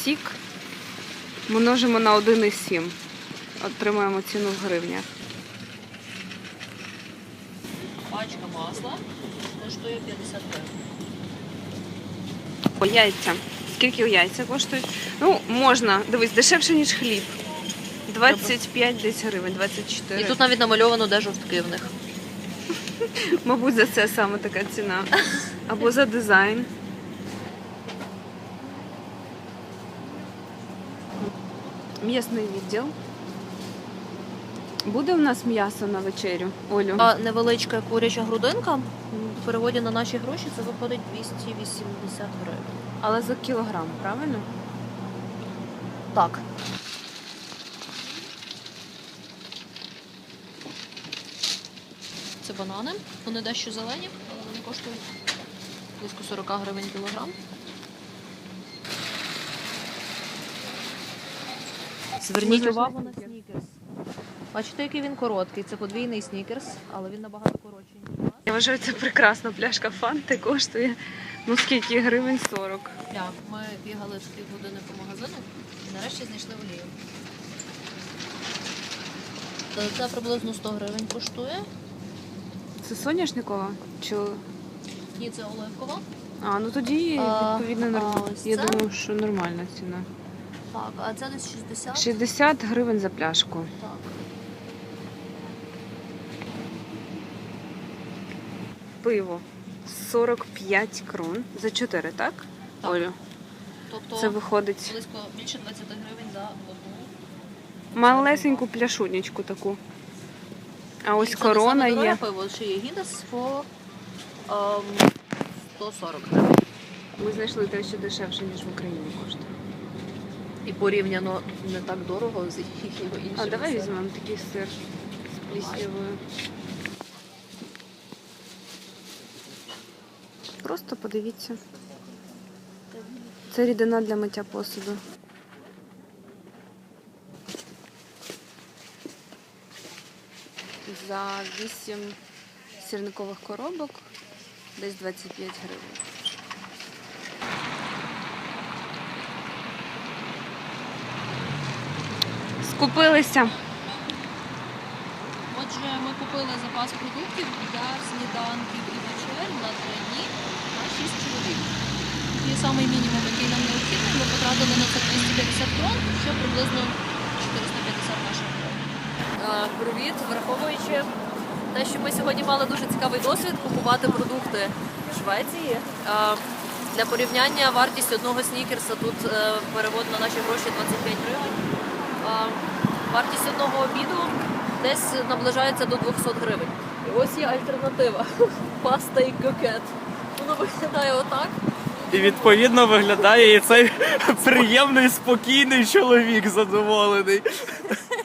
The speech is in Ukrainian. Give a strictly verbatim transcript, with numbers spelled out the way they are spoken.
сік множимо на один і сім. Отримаємо ціну в гривнях. Пачка масла коштує п'ятдесят гривень. О, яйця. Скільки яйця коштують? Ну, можна. Дивись, дешевше, ніж хліб. двадцять п'ять десь гривень, двадцять чотири. І тут навіть намальовано, де жовтки в них. Мабуть, за це саме така ціна. Або за дизайн. М'ясний відділ. Буде у нас м'ясо на вечерю, Олю? А невеличка куряча грудинка, в переводі на наші гроші, це виходить двісті вісімдесят гривень. Але за кілограм, правильно? Так. Це банани. Вони дещо зелені, але вони коштують близько сорок гривень кілограм. Зверніть увагу на снікерс. Бачите, який він короткий. Це подвійний снікерс, але він набагато коротший, ніж у нас. Я вважаю, це прекрасна пляшка фанти, коштує, ну скільки, гривень сорок. Так, ми бігали з півгодини по магазину і нарешті знайшли олію. Це приблизно сто гривень коштує. Це соняшникова? Чи... Ні, це оливкова. А, ну тоді, А, відповідно, а нормально. ось Я це? думаю, що нормальна ціна. Так, а це десь шістдесят. шістдесят гривень за пляшку. Так. Пиво сорок п'ять крон за чотири, так? Так. Олю? Тобто Це виходить близько більше двадцять гривень за одну. малесеньку пляшунечку таку. А ось І це корона не саме дороге є. пиво, ще є гідес по ем, сто сорок гривень. Ми знайшли те, що дешевше, ніж в Україні коштує. І порівняно не так дорого з його іншими. А давай сирами. візьмемо такий сир з пліснявою. Просто подивіться. Це рідина для миття посуду. За вісім сірникових коробок десь двадцять п'ять гривень. Скупилися. Отже, ми купили запас продуктів для сніданків і вечер на три дні на шість чоловік. Такий самий мінімум, який нам необхідний, ми потратили на це двісті п'ятдесят крон, що приблизно чотириста п'ятдесят наших гривень. Привіт, враховуючи те, що ми сьогодні мали дуже цікавий досвід купувати продукти в Швеції. А, Для порівняння вартість одного снікерса тут е, перевод на наші гроші двадцять п'ять гривень. А, Вартість одного обіду десь наближається до двісті гривень. І ось є альтернатива. Паста і кокет. Воно виглядає отак. І відповідно виглядає і цей приємний, спокійний чоловік задоволений.